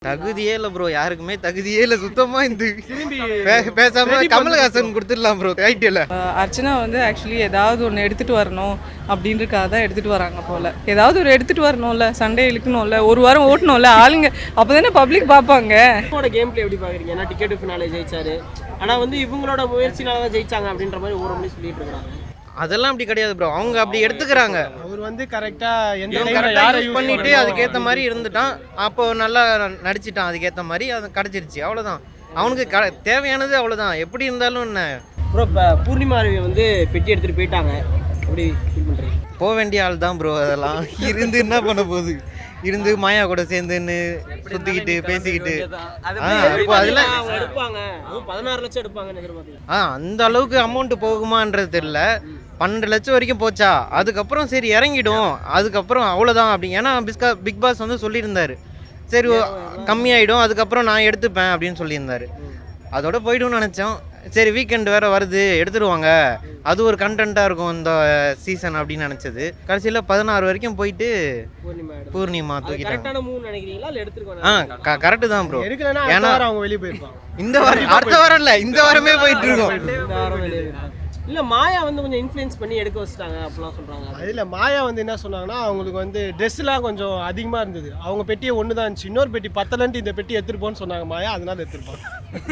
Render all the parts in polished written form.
தகுதியே இல்லை ப்ரோ, யாருக்குமே தகுதியே இல்லை சுத்தமா. இந்த பேசாம கமல்ஹாசன் கொடுத்துடலாம் ப்ரோ டைட்டில். அர்ச்சனா வந்து ஆக்சுவலி ஏதாவது ஒன்று எடுத்துகிட்டு வரணும் அப்படின்றக்காக தான் எடுத்துகிட்டு வராங்க போல். ஏதாவது ஒரு எடுத்துகிட்டு வரணும்ல, சண்டே இழுக்கணும்ல, ஒரு வாரம் ஓட்டணும்ல ஆளுங்க, அப்போ தானே பப்ளிக் பார்ப்பாங்க. கேம் பிளே எப்படி பார்க்குறீங்க? ஏன்னா டிக்கெட் ஃபினாலே ஜெயிச்சாரு, ஆனால் வந்து இவங்களோட முயற்சினால தான் ஜெயிச்சாங்க அப்படின்ற மாதிரி ஒரு மணி சொல்லிட்டு இருக்காங்க. அதெல்லாம் அப்படி கிடையாது ப்ரோ, அவங்க அப்படி எடுத்துக்கிறாங்க. அவர் வந்து கரெக்டா யூஸ் பண்ணிட்டு அதுக்கேற்ற மாதிரி இருந்துட்டான், அப்போ நல்லா நடிச்சிட்டான், அதுக்கேற்ற மாதிரி அது கிடச்சிருச்சு, அவ்வளோதான். அவனுக்கு தேவையானது அவ்வளோதான். எப்படி இருந்தாலும் என்ன ப்ரோ, இப்போ பூர்ணிமா வந்து பெட்டி எடுத்துகிட்டு போயிட்டாங்க, எப்படி ஃபீல் பண்ணுறீங்க? போக வேண்டிய ஆள் தான் ப்ரோ. அதெல்லாம் இருந்து என்ன பண்ண போகுது? இருந்து மாயா கூட சேர்ந்துன்னு சுற்றிக்கிட்டு பேசிக்கிட்டு இப்போ அதில் எடுப்பாங்க, 16 லட்சம் எடுப்பாங்கன்னு எதிர்பார்த்தீங்க. அந்த அளவுக்கு அமௌண்ட் போகுமான்றது தெரியல. 12 லட்சம் வரைக்கும் போச்சா, அதுக்கப்புறம் சரி இறங்கிடும், அதுக்கப்புறம் அவ்வளோதான் அப்படி. ஏன்னா பிக் பாஸ் வந்து சொல்லியிருந்தாரு, சரி கம்மியாயிடும், அதுக்கப்புறம் நான் எடுத்துப்பேன் அப்படின்னு சொல்லியிருந்தாரு. அதோட போய்டும்னு நினச்சோம். சரி வீக்கெண்ட் வேறு வருது, எடுத்துடுவாங்க, அது ஒரு கண்டென்ட்டாக இருக்கும் இந்த சீசன் அப்படின்னு நினச்சது. கடைசியில் 16 வரைக்கும் போயிட்டு பூர்ணிமா தூக்கிட்டாங்க. கரெக்டு தான் ப்ரோ. ஏன்னா அவங்க வெளியே போயிருப்பாங்க. இந்த வாரம் அடுத்த வாரம் இல்லை, இந்த வாரமே போயிட்டு இருக்கோம். இல்லை மாயா வந்து கொஞ்சம் இன்ஃப்ளூயன்ஸ் பண்ணி எடுக்க வச்சுட்டாங்க அப்படிலாம் சொல்கிறாங்க. அதில் மாயா வந்து என்ன சொன்னாங்கன்னா, அவங்களுக்கு வந்து ட்ரெஸ்லாம் கொஞ்சம் அதிகமாக இருந்தது, அவங்க பெட்டியை ஒன்று தான் இருந்துச்சு, இன்னொரு பெட்டி பத்தலன்ட்டு இந்த பெட்டி எடுத்துருப்போன்னு சொன்னாங்க மாயா, அதனால எடுத்துருப்பாங்க.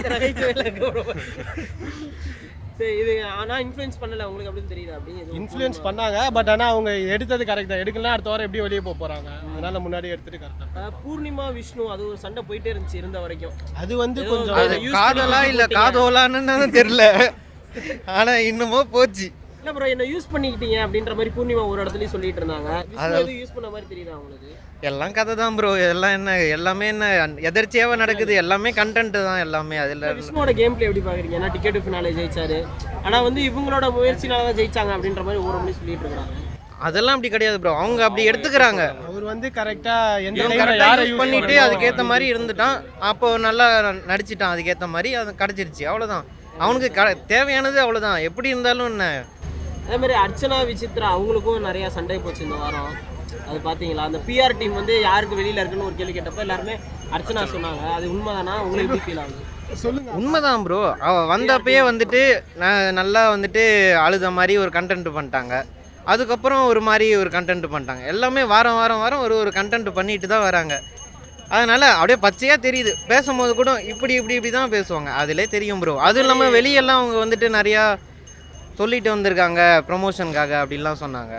சரி, இது ஆனால் இன்ஃப்ளூயன்ஸ் பண்ணலை உங்களுக்கு அப்படின்னு தெரியுது? அப்படின்னு இன்ஃப்ளூயன்ஸ் பண்ணாங்க, பட் ஆனால் அவங்க எடுத்தது கரெக்ட் தான். எடுக்கலாம் அடுத்த வாரம் எப்படி வெளியே போகிறாங்க, அதனால முன்னாடி எடுத்துட்டு கரெக்டாக. பூர்ணிமா விஷ்ணு அது ஒரு சண்டை போயிட்டே இருந்துச்சு இருந்த வரைக்கும். அது வந்து கொஞ்சம் காதலா இல்லை காதோலான்னு தெரியல, ஆனா இன்னமோ போச்சு. இல்ல ப்ரோ, என்ன யூஸ் பண்ணிக்கிட்டீங்க அப்படின்ற மாதிரி பூர்ணிமா ஒரு இடத்துலயும் சொல்லிட்டு இருந்தாங்க. அது யூஸ் பண்ண மாதிரி தெரியுதா உங்களுக்கு? எல்லாம் கதை தான் ப்ரோ. எல்லாம் என்ன, எல்லாமே என்ன எதர்ச்சியாவே நடக்குது, எல்லாமே கண்டென்ட் தான் எல்லாமே. அதுல விஷ்ணுவோட கேம் பிளே எப்படி பாக்குறீங்க? ஏன்னா டிக்கெட் ஃபினாலே ஜெயிச்சாரு, ஆனா வந்து இவங்களோட முயற்சினால தான் ஜெயிச்சாங்க அப்படின்ற மாதிரி ஒரு மணி சொல்லிட்டு இருக்காங்க. அதெல்லாம் அப்படி கிடையாது ப்ரோ, அவங்க அப்படி எடுத்துக்கிறாங்க. அவர் வந்து கரெக்டா யூஸ் பண்ணிட்டு அதுக்கேற்ற மாதிரி இருந்துட்டான், அப்போ நல்லா நடிச்சிட்டான், அதுக்கேற்ற மாதிரி அது கிடச்சிருச்சு, அவ்வளோதான். அவனுக்கு தேவையானது அவ்வளோதான். எப்படி இருந்தாலும் என்ன. அதே மாதிரி அர்ச்சனா விசித்ரா அவங்களுக்கும் நிறைய சண்டை போச்சு இந்த வாரம், அது பார்த்தீங்களா? அந்த பிஆர் டீம் வந்து யாருக்கு வெளியில் இருக்குன்னு ஒரு கேள்வி கேட்டப்ப எல்லாருமே அர்ச்சனா சொன்னாங்க. அது உண்மைதானா? உங்களுக்கு எப்படி ஃபீல் ஆகுது? சொல்லுங்க. உண்மைதான் ப்ரோ. அவள் வந்தப்பயே வந்துட்டு நல்லா வந்துட்டு அழுத மாதிரி ஒரு கண்டென்ட் பண்ணிட்டாங்க, அதுக்கப்புறம் ஒரு மாதிரி ஒரு கண்டென்ட் பண்ணிட்டாங்க. எல்லாமே வாரம் வாரம் வாரம் ஒரு கண்டென்ட் பண்ணிட்டு தான் வராங்க. அதனால் அப்படியே பச்சையாக தெரியுது. பேசும்போது கூட இப்படி தான் பேசுவாங்க, அதிலே தெரியும் ப்ரோ. அதுவும் இல்லாமல் வெளியெல்லாம் அவங்க வந்துட்டு நிறையா சொல்லிட்டு வந்திருக்காங்க ப்ரொமோஷனுக்காக அப்படின்லாம் சொன்னாங்க.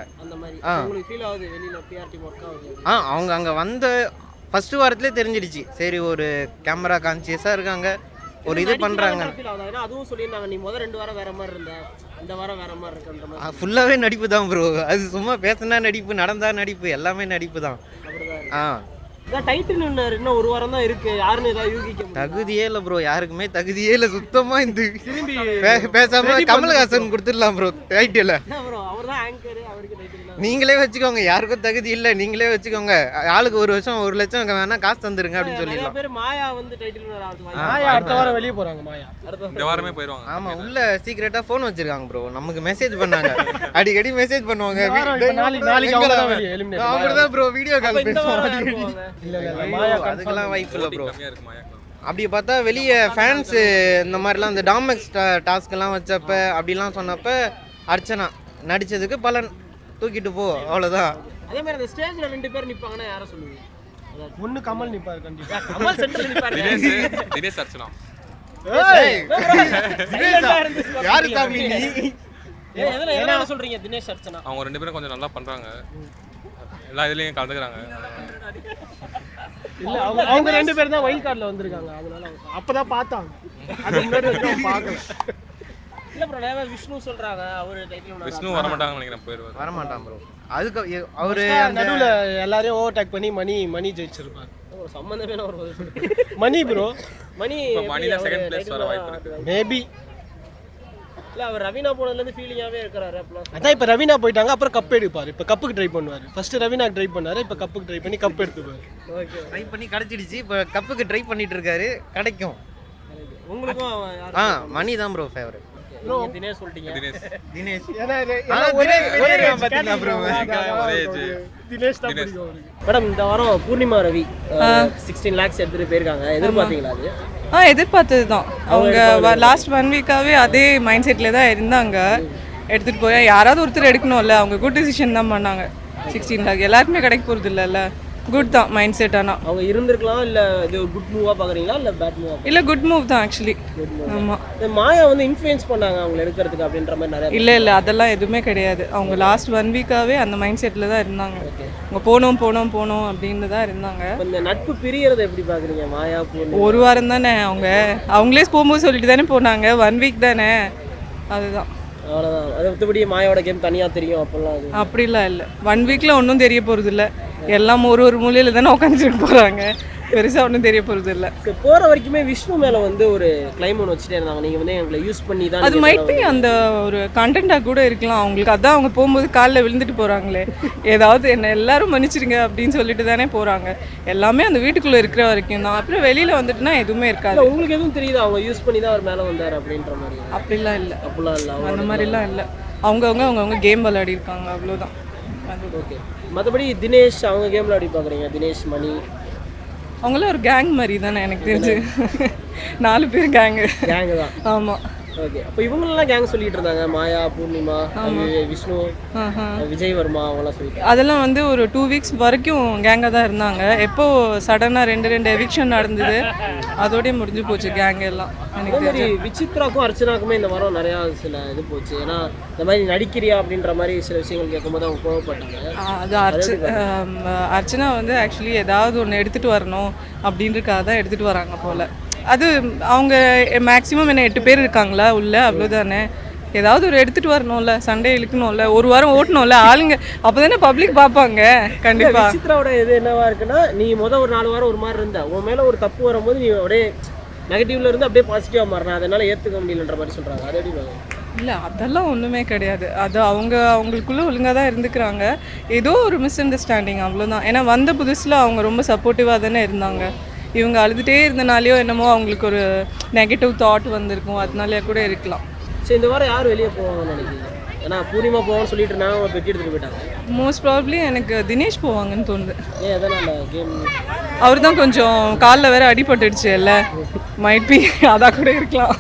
அவங்க அங்கே வந்த ஃபஸ்ட்டு வாரத்திலே தெரிஞ்சிடுச்சு, சரி ஒரு கேமரா கான்சியஸாக இருக்காங்க, ஒரு இது பண்ணுறாங்க. அதுவும் சொல்லியிருந்தாங்க, நீ முதல் 2 வாரம் வேற மாதிரி இருந்த, இந்த வாரம் வேற மாதிரி இருக்குன்ற மாதிரி. ஃபுல்லாகவே நடிப்பு தான் ப்ரோ. அது சும்மா பேசினா நடிப்பு, நடந்தா நடிப்பு, எல்லாமே நடிப்பு தான். டைட்டில் இன்னும் ஒரு வாரம் தான் இருக்கு, யாருன்னு ஏதாவது யூகிக்க? தகுதியே இல்லை ப்ரோ, யாருக்குமே தகுதியே இல்லை சுத்தமா. இந்த பேசாம கமல்ஹாசன் கொடுத்துடலாம் ப்ரோ டைட்டில். அவர்தான் ஆங்கர், அவருக்கு டைட்டில். நீங்களே வச்சுக்கோங்க, யாருக்கும் தகுதி இல்லை, நீங்களே வச்சுக்கோங்க. ஆளுக்கு 1 வருஷம் 1 லட்சம் வேணா காசு தந்துருங்க அப்படின்னு சொல்லிடலாம். பேர் மாயா வந்து டைட்டில் மாயா அடுத்த வாரம் வெளியே போறாங்க. மாயா இந்த வாரமே போயிடுவாங்க. ஆமா, உள்ள சீக்ரெட்டா ஃபோன் வச்சிருக்காங்க ப்ரோ, நமக்கு மெசேஜ் பண்ணாங்க, அடிக்கடி மெசேஜ் பண்ணுவாங்க. அப்படிதான் ப்ரோ வீடியோ கால் பேசுவாங்க. அதுக்கெல்லாம் வாய்ப்பு இல்லை ப்ரோ. அப்படி பார்த்தா வெளியே ஃபேன்ஸு இந்த மாதிரிலாம் இந்த டாமெக்ஸ் டாஸ்க்கெல்லாம் வச்சப்ப அப்படிலாம் சொன்னப்ப அர்ச்சனா நடித்ததுக்கு பலன், தூக்கிட்டு போ, அவ்வளோதான். அதே மாதிரி அந்த ஸ்டேஜில் 2 பேர் நிற்பாங்கன்னா யாரை சொல்லுவீங்க? ஒன்று கமல் நிற்பார் கண்டிப்பாக. கமல் சென்டரில் நிற்பாரு. தினேஷ் அர்ச்சனா. யாரு சாமி நீ? எதனால சொல்றீங்க தினேஷ் அர்ச்சனா? அவங்க 2 பேரும் கொஞ்சம் நல்லா பண்றாங்க, எல்லா இதுலயும் கலந்துக்கிறாங்க. இல்ல அவங்க 2 பேரும் தான் வைல்ட் கார்டில் வந்திருக்காங்க, அதனால அப்பதான் பார்த்தாங்க, அது முன்னாடி பார்க்கல. இல்ல ப்ரோ, நேவா விஷ்ணு சொல்றாங்க, அவர் டைட்டில் விஷ்ணு வர மாட்டாங்கன்னு நினைக்கிறேன், போயிடுவார். வர மாட்டான் ப்ரோ. அதுக்கு அவரு நடுவுல எல்லாரையும் ஓவர்டேக் பண்ணி மணி ஜெயிச்சிருப்பாரு. ஒரு சம்பந்தமே இல்ல ஒரு மணி ப்ரோ. மணில செகண்ட் பிளேஸ் வர வாய்ப்பு இருக்கு மேபி. இல்ல அவர் ரவீனா போனதுல இருந்து ஃபீலிங்காவே இருக்காரு அப்பலாம். அதான் இப்ப ரவீனா போயிட்டாங்க, அப்புறம் கப் எடுப்பாரு. இப்ப கப்புக்கு ட்ரை பண்ணுவாரு. ஃபர்ஸ்ட் ரவீனா ட்ரை பண்ணாரு, இப்ப கப்புக்கு ட்ரை பண்ணி கப் எடுத்துப்பாரு. ஓகே, ட்ரை பண்ணி கிடைச்சிடுச்சு, இப்ப கப்புக்கு ட்ரை பண்ணிட்டு இருக்காரு, கிடைக்கும். உங்களுக்கும் மணி தான் ப்ரோ ஃபேவரட். நீங்க தினேஷ் சொல்லிட்டீங்க. தினேஷ். தினேஷ் ஏன்னா தினேஷ் தான் பிடிக்கும் அவருக்கு. மேடம் இந்த வாரம் பூர்ணிமா ரவி 16 lakhs எடுத்துட்டு போயிருக்காங்க. எதிர்பார்த்தீங்களா அது? எதிர்பார்த்தது தான். அவங்க லாஸ்ட் 1 வீக்காகவே அதே மைண்ட் செட்டில் தான் இருந்தாங்க. எடுத்துகிட்டு போய் யாராவது ஒருத்தர் எடுக்கணும்ல, அவங்க குட் டிசிஷன் தான் பண்ணாங்க. 16 lakh எல்லாருக்குமே கிடைக்க போகிறது இல்லைல்ல. குட் தான் மைண்ட் செட். ஆனால் அவங்க இருந்திருக்கலாம், இல்ல இது ஒரு குட் மூவா பாக்குறீங்களா இல்ல பேட் மூவா? இல்லை, குட் மூவ் தான் ஆக்சுவலி. ஆமாம். இந்த மாயா வந்து இன்ஃப்ளூயன்ஸ் பண்ணாங்க அவங்க எடுக்கிறதுக்கு அப்படின்ற மாதிரி நிறைய. இல்லை அதெல்லாம் எதுவுமே கிடையாது. அவங்க லாஸ்ட் 1 வீக்காகவே அந்த மைண்ட் செட்டில் தான் இருந்தாங்க. அவங்க போனோம் அப்படின்னு தான் இருந்தாங்க. இந்த நட்பு பிரியறதை எப்படி பாக்குறீங்க மாயா பூர்ணிமா? ஒரு வாரம் தானே. அவங்களே போகும்போது சொல்லிட்டு தானே போனாங்க. 1 வீக் தானே, அதுதான். அவ்வளோதான். அது மற்றபடி மாயாவோட கேம் தனியாக தெரியும் அப்போல்லாம் அது அப்படிலாம் இல்லை. 1 வீக்கில் ஒன்றும் தெரிய போகிறது இல்லை. எல்லாம் ஒரு மூலையில் தானே உட்காந்துட்டு போகிறாங்க. பெருசாக ஒன்றும் தெரிய போகிறது இல்லை. போகிற வரைக்குமே விஷ்ணு மேலே வந்து ஒரு கிளைம் ஒன்று வச்சுட்டே இருந்தாங்க. நீங்கள் வந்து எங்களை யூஸ் பண்ணி தான் அது மைட் பி அந்த ஒரு கண்டென்ட்டாக கூட இருக்கலாம் அவங்களுக்கு. அதான் அவங்க போகும்போது காலில் விழுந்துட்டு போகிறாங்களே, ஏதாவது என்ன எல்லாரும் மன்னிச்சிருங்க அப்படின்னு சொல்லிட்டு தானே போகிறாங்க. எல்லாமே அந்த வீட்டுக்குள்ளே இருக்கிற வரைக்கும் தான். அப்புறம் வெளியில் வந்துட்டுனா எதுவுமே இருக்காது. உங்களுக்கு எதுவும் தெரியுது அவங்க யூஸ் பண்ணி தான் அவர் மேலே வந்தார் அப்படின்ற மாதிரி? அப்படிலாம் இல்லை. அப்படிலாம் இல்லை. அந்த மாதிரிலாம் இல்லை. அவங்கவுங்க கேம் விளையாடி இருக்காங்க, அவ்வளோதான். ஓகே. மற்றபடி தினேஷ் அவங்க கேம் விளையாடி பார்க்குறீங்க? தினேஷ், மணி அவங்களாம் ஒரு கேங் மாதிரி தானே எனக்கு தெரிஞ்சு. 4 பேர் கேங்கு தான். ஆமாம். ஓகே. அப்போ இவங்களெல்லாம் கேங் சொல்லிட்டு இருந்தாங்க. மாயா, பூர்ணிமா, விஷ்ணு, விஜய் வர்மா அவங்களாம் சொல்லிட்டு. அதெல்லாம் வந்து ஒரு 2 வீக்ஸ் வரைக்கும் கேங்காக தான் இருந்தாங்க. எப்போ சடனாக 2 எவிக்ஷன் நடந்தது, அதோடய முடிஞ்சு போச்சு கேங் எல்லாம். எனக்கு தெரிஞ்சு விசித்ராக்கும் அர்ச்சனாக்குமே இந்த வாரம் நிறையா சில இது போச்சு. ஏன்னா இந்த மாதிரி நடிக்கிறியா அப்படின்ற மாதிரி சில விஷயங்கள் கேட்கும்போது அவங்க கோவப்பட்டாங்க. அது அர்ச்சனா வந்து ஆக்சுவலி ஏதாவது ஒன்று எடுத்துகிட்டு வரணும் அப்படின்றக்காக தான் எடுத்துகிட்டு வராங்க போல். அது அவங்க மேக்ஸிமம் என்ன 8 பேர் இருக்காங்களா உள்ள, அவ்வளோதானே. ஏதாவது ஒரு எடுத்துகிட்டு வரணும்ல, சண்டே இழுக்கணும்ல, ஒரு வாரம் ஓட்டணும்ல ஆளுங்க. அப்போ தானே பப்ளிக் பார்ப்பாங்க. கண்டிப்பாக. விசித்ராவோட இது என்னவா இருக்குன்னா, நீ ஒரு 4 வாரம் ஒரு மாதிரி இருந்த, உன் மேலே ஒரு தப்பு வரும்போது நீ அப்படியே நெகட்டிவ்ல இருந்து அப்படியே பாசிட்டிவாக மாறினா, அதனால ஏற்றுக்க முடியலன்ற மாதிரி சொல்கிறாங்க. அது எப்படி இல்லை, அதெல்லாம் ஒன்றுமே கிடையாது. அது அவங்களுக்குள்ளே ஒழுங்காக தான் இருந்துக்கிறாங்க. ஏதோ ஒரு மிஸ் அண்டர்ஸ்டாண்டிங், அவ்வளோதான். ஏன்னா வந்த புதுசில் அவங்க ரொம்ப சப்போர்ட்டிவாக தானே இருந்தாங்க. இவங்க அழுதுகிட்டே இருந்தனாலேயோ என்னமோ அவங்களுக்கு ஒரு நெகட்டிவ் தாட் வந்திருக்கும், அதனாலே கூட இருக்கலாம். சரி, இந்த வாரம் யார் வெளியே போவாங்கன்னு நினைக்கிறீங்க? ஏன்னா பூர்ணிமா போவான்னு சொல்லிட்டு இருந்தாங்க, அவங்க பெட்டி எடுத்துகிட்டு போயிட்டாங்க. மோஸ்ட் ப்ராபப்ளி எனக்கு தினேஷ் போவாங்கன்னு தோணுது. ஏன் எதனால்? கேம் அவர் தான் கொஞ்சம் காலில் வேற அடிபட்டுடுச்சு இல்லை, மைட் பி அதாக கூட இருக்கலாம்.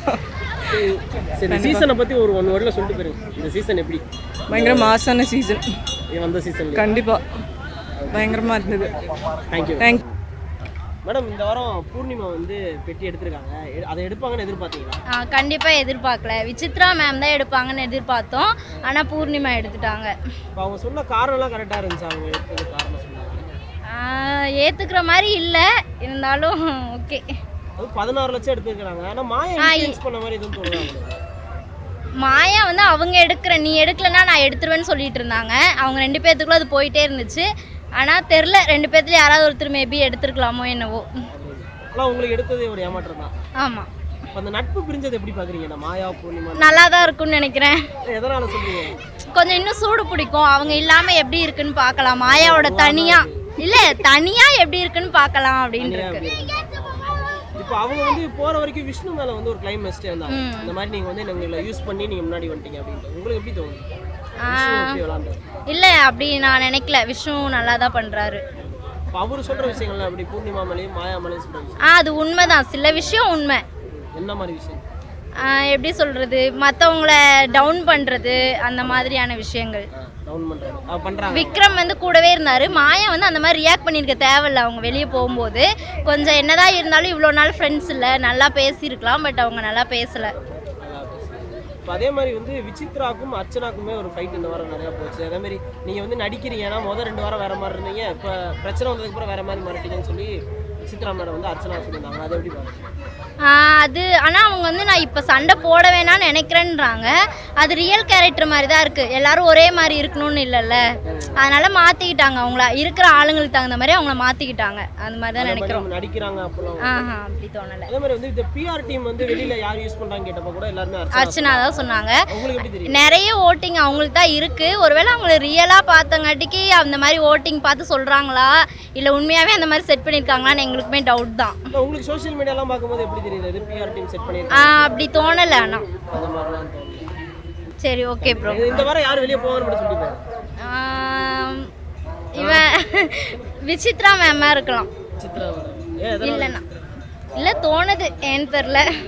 சரி, சீசனை பற்றி ஒரு 1 வேர்டில் சொல்லிட்டு போயிருங்க. இந்த சீசன் எப்படி? பயங்கர மாசான சீசன். வந்த சீசன் கண்டிப்பாக பயங்கரமாக இருந்தது. தேங்க்யூ. மேடம் இந்த வாரம் பூர்ணிமா வந்து பெட்டி எடுத்திருக்காங்க. அதை எடுப்பாங்கன்னு எதிர்பார்த்தீங்களா? கண்டிப்பாக எதிர்பார்க்கல. விசித்ரா மேம் தான் எடுப்பாங்கன்னு எதிர்பார்த்தோம். ஆனால் பூர்ணிமா எடுத்துட்டாங்க. இப்போ அவங்க சொன்ன காரணம்லாம் கரெக்டாக இருந்துச்சு. அவங்க எடுத்தது காரணம் சொன்னாங்க. ஏற்றுக்கிற மாதிரி இல்லை, இருந்தாலும் ஓகே. அது 16 லட்சம் எடுத்துருக்காங்க. ஆனால் மாயா இன்ஃப்ளூயன்ஸ் பண்ண மாதிரி எதுவும் தோணுது? மாயா வந்து அவங்க நீ எடுக்கலன்னா நான் எடுத்துருவேன்னு சொல்லிட்டு இருந்தாங்க. அவங்க 2 பேர்த்துக்குள்ள அது போயிட்டே இருந்துச்சு. ஆனால் தெரில, 2 பேர்த்துல யாராவது ஒருத்தர் மேபி எடுத்துருக்கலாமோ என்னவோ. ஆனால் உங்களுக்கு எடுத்தது ஒரு ஏமாற்றம் தான். ஆமாம். இப்போ அந்த நட்பு பிரிஞ்சது எப்படி பார்க்குறீங்க? மாயா பூர்ணிமா நல்லா தான் இருக்குன்னு நினைக்கிறேன். எதனால் சொல்லுவீங்க? கொஞ்சம் இன்னும் சூடு பிடிக்கும். அவங்க இல்லாமல் எப்படி இருக்குன்னு பார்க்கலாம். மாயாவோட தனியாக இல்லை, தனியாக எப்படி இருக்குன்னு பார்க்கலாம் அப்படின்னு இருக்கு. இப்போ அவங்க வந்து போகிற வரைக்கும் விஷ்ணு மேலே வந்து ஒரு கிளைம் வச்சுட்டே இருந்தாங்க. இந்த மாதிரி நீங்கள் வந்து எங்களை யூஸ் பண்ணி நீங்கள் முன்னாடி வந்துட்டீங்க அப்படின்ட்டு. உங்களுக்கு எப்படி தோணுது? இல்லை, அப்படி நான் நினைக்கல. விஷ்ணு நல்லா தான் பண்ணுறாரு. அவர் சொல்கிற விஷயங்கள்லாம் அப்படி பூர்ணிமா மேலேயும் மாயா மேலேயும் சொல்கிறாங்க. அது உண்மைதான். சில விஷயம் உண்மை. என்ன மாதிரி விஷயம்? எப்படி சொல்கிறது, மற்றவங்கள டவுன் பண்ணுறது, அந்த மாதிரியான விஷயங்கள். விக்ரம் வந்து கூடவே இருந்தார். மாயா வந்து அந்த மாதிரி ரியாக்ட் பண்ணியிருக்க தேவையில்லை. அவங்க வெளியே போகும்போது கொஞ்சம் என்னதான் இருந்தாலும் இவ்வளோ நாள் ஃப்ரெண்ட்ஸ் இல்லை, நல்லா பேசியிருக்கலாம். பட் அவங்க நல்லா பேசலை. இப்போ அதே மாதிரி வந்து விசித்ராக்கும் அர்ச்சனாக்குமே ஒரு ஃபைட் இந்த வாரம் நிறையா போச்சு. அதே மாதிரி நீங்கள் வந்து நடிக்கிறீங்கன்னா முதல் 2 வாரம் வேறு மாதிரி இருந்தீங்க, இப்போ பிரச்சனை வந்ததுக்கப்புறம் வேறு மாதிரி மாறிட்டீங்கன்னு சொல்லி விசித்ரா மேடம் வந்து அர்ச்சனா சொல்லியிருந்தாங்க. அது எப்படி பாருங்க? அது ஆனால் அவங்க வந்து நான் இப்போ சண்டை போட வேணாம்னு நினைக்கிறேன்றாங்க. அது ரியல் கேரக்டர் மாதிரி தான் இருக்குது. எல்லாரும் ஒரே மாதிரி இருக்கணும்னு இல்லைல்ல, அதனால் மாற்றிக்கிட்டாங்க. அவங்கள இருக்கிற ஆளுங்களுக்கு தகுந்த மாதிரி அவங்கள மாற்றிக்கிட்டாங்க. அந்த மாதிரி தான் நினைக்கிறோம். நடிக்கிறாங்க அப்போலாம் அப்படி தோணலை. அதே மாதிரி வந்து இந்த பிஆர் டீம் வந்து வெளியில் யார் யூஸ் பண்ணுறாங்க கேட்டப்போ கூட எல்லாருமே அர்ச்சனா தான் சொன்னாங்க. உங்களுக்கு எப்படி தெரியும்? நிறைய ஓட்டிங் அவங்களுக்கு தான் இருக்குது. ஒருவேளை அவங்கள ரியலாக பார்த்தங்காட்டிக்கு அந்த மாதிரி ஓட்டிங் பார்த்து சொல்கிறாங்களா, இல்லை உண்மையாகவே அந்த மாதிரி செட் பண்ணியிருக்காங்களான்னு எங்களுக்குமே டவுட் தான். உங்களுக்கு சோஷியல் மீடியாலாம் பார்க்கும்போது எப்படி தெரியுது? பிஆர் டீம் செட் பண்ணி அப்படி தோணலை. ஆனால் அந்த மாதிரிலாம் தோணுது. சரி ஓகே ப்ரோ. இந்த வாரம் யார் வெளியே போவான்னு மட்டும் சொல்லிப்பாரு. இவன் விசித்ரா மேமாக இருக்கலாம். சித்ரா மேடம். ஏன் இல்லைண்ணா இல்லை தோணுது ஏன்னு தெரில.